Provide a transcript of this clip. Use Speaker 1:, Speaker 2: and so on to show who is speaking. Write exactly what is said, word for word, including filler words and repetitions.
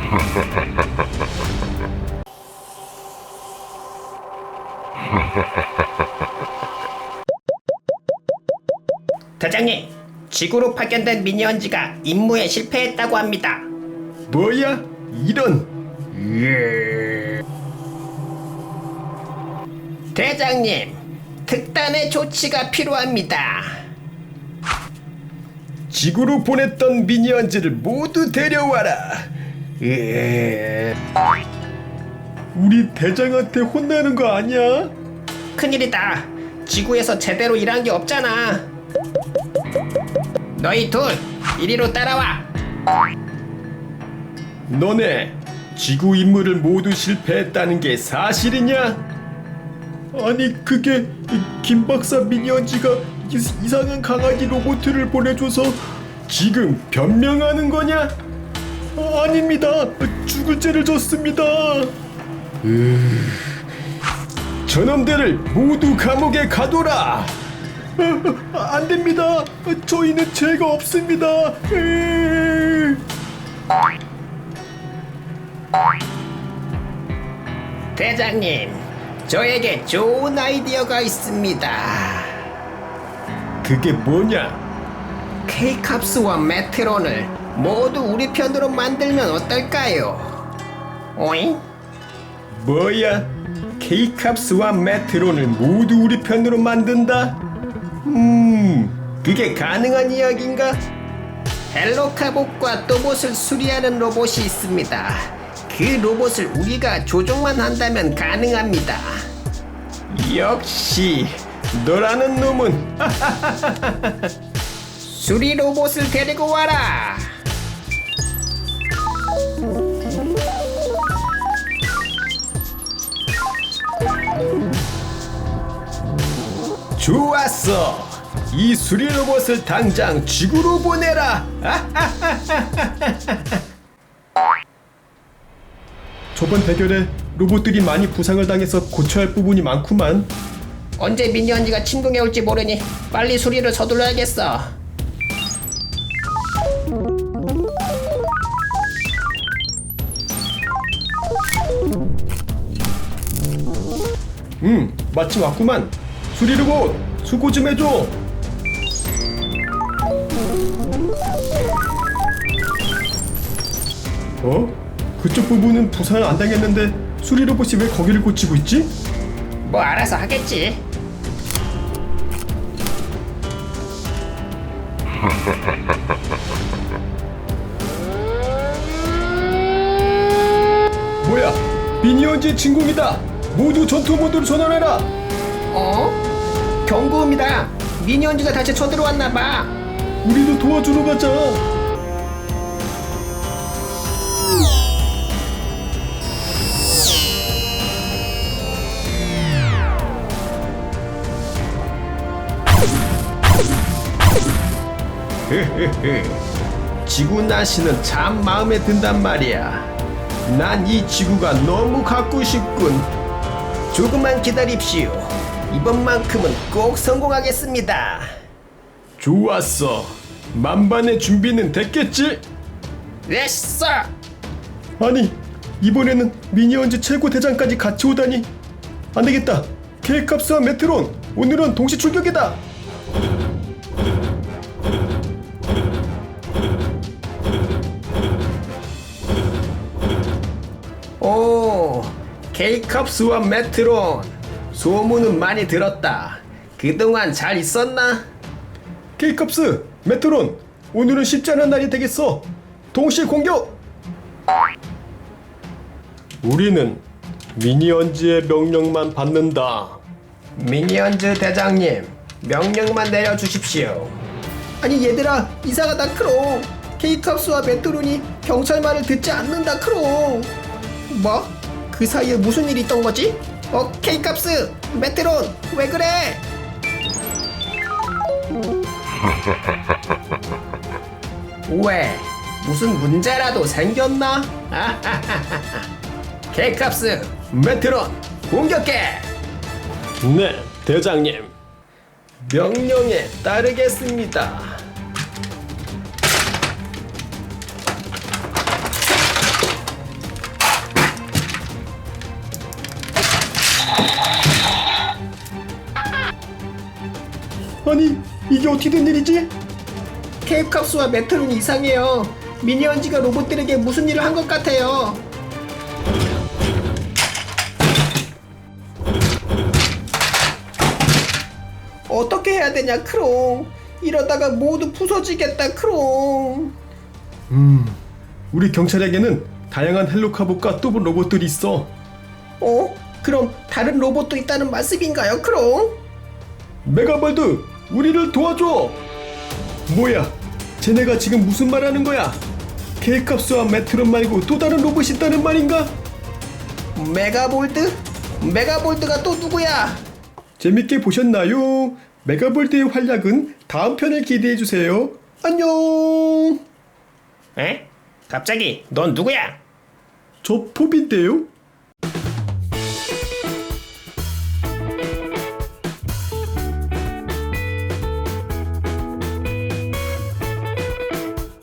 Speaker 1: 대장님, 지구로 파견된 미니언즈가 임무에 실패했다고 합니다.
Speaker 2: 뭐야? 이런.
Speaker 1: 대장님, 특단의 조치가 필요합니다.
Speaker 2: 지구로 보냈던 미니언즈를 모두 데려와라. 으... 우리 대장한테 혼나는 거 아니야?
Speaker 1: 큰일이다. 지구에서 제대로 일한 게 없잖아. 너희 둘, 이리로 따라와.
Speaker 2: 너네 지구 임무를 모두 실패했다는 게 사실이냐? 아니 그게 김 박사 미니언즈가 이- 이상한 강아지 로봇을 보내줘서 지금 변명하는 거냐? 아, 아닙니다. 죽을 죄를 졌습니다. 으... 저놈들을 모두 감옥에 가둬라. 아, 안 됩니다. 저희는 죄가 없습니다. 으...
Speaker 1: 대장님, 저에게 좋은 아이디어가 있습니다.
Speaker 2: 그게 뭐냐?
Speaker 1: 케이캅스와 메트론을 모두 우리 편으로 만들면 어떨까요? 오잉?
Speaker 2: 뭐야? 케이캅스와 메트론을 모두 우리 편으로 만든다? 음, 그게 가능한 이야기인가?
Speaker 1: 헬로카봇과 또봇을 수리하는 로봇이 있습니다. 그 로봇을 우리가 조종만 한다면 가능합니다.
Speaker 2: 역시 너라는 놈은
Speaker 1: 수리 로봇을 데리고 와라.
Speaker 2: 좋았어. 이 수리 로봇을 당장 지구로 보내라. 저번 대결에 로봇들이 많이 부상을 당해서 고쳐야 할 부분이 많구만.
Speaker 1: 언제 미니언즈가 침공해 올지 모르니 빨리 수리를 서둘러야겠어.
Speaker 2: 음, 마침 왔구만. 수리 로봇, 수고 좀 해줘. 어? 그쪽 부분은 부상 안 당했는데 수리 로봇이 왜 거기를 고치고 있지?
Speaker 1: 뭐 알아서 하겠지.
Speaker 2: 뭐야? 미니언즈의 진공이다. 모두 전투 모드로 전환해라.
Speaker 1: 어? 경고음이다. 미니언즈가 다시 쳐들어왔나봐.
Speaker 2: 우리도 도와주러 가자. 지구 날씨는 참 마음에 든단 말이야. 난 이 지구가 너무 갖고 싶군.
Speaker 1: 조금만 기다립시오. 이번만큼은 꼭 성공하겠습니다.
Speaker 2: 좋았어. 만반의 준비는 됐겠지?
Speaker 1: 됐어.
Speaker 2: 아니, 이번에는 미니언즈 최고 대장까지 같이 오다니. 안 되겠다. 케이캅스와 메트론, 오늘은 동시 출격이다.
Speaker 1: 오, 케이캅스와 메트론. 소문은 많이 들었다. 그동안 잘 있었나?
Speaker 2: 케이캅스, 메트론, 오늘은 쉽지 않은 날이 되겠어. 동시 공격! 우리는 미니언즈의 명령만 받는다.
Speaker 1: 미니언즈 대장님, 명령만 내려주십시오. 아니 얘들아, 이상하다 크롱. 케이캅스와 메트론이 경찰 말을 듣지 않는다 크롱. 뭐? 그 사이에 무슨 일이 있던 거지? 어, 케이캅스, 메트론, 왜 그래? 왜? 무슨 문제라도 생겼나? 케이캅스, 메트론, 공격해!
Speaker 2: 네, 대장님. 명령에 따르겠습니다. 아니 이게 어떻게 된 일이지?
Speaker 1: 케이캅스와 메트론이 이상해요. 미니언즈가 로봇들에게 무슨 일을 한 것 같아요. 어떻게 해야 되냐 크롱. 이러다가 모두 부서지겠다 크롱.
Speaker 2: 음 우리 경찰에게는 다양한 헬로카봇과 또봇 로봇들이 있어.
Speaker 1: 어? 그럼 다른 로봇도 있다는 말씀인가요 크롱?
Speaker 2: 메가볼드 우리를 도와줘. 뭐야 쟤네가 지금 무슨 말 하는 거야? 케이캅스와 메트론 말고 또 다른 로봇이 있다는 말인가?
Speaker 1: 메가볼드? 메가볼드가 또 누구야?
Speaker 2: 재밌게 보셨나요? 메가볼드의 활약은 다음 편을 기대해주세요. 안녕.
Speaker 1: 에? 갑자기 넌 누구야?
Speaker 2: 저 포비인데요?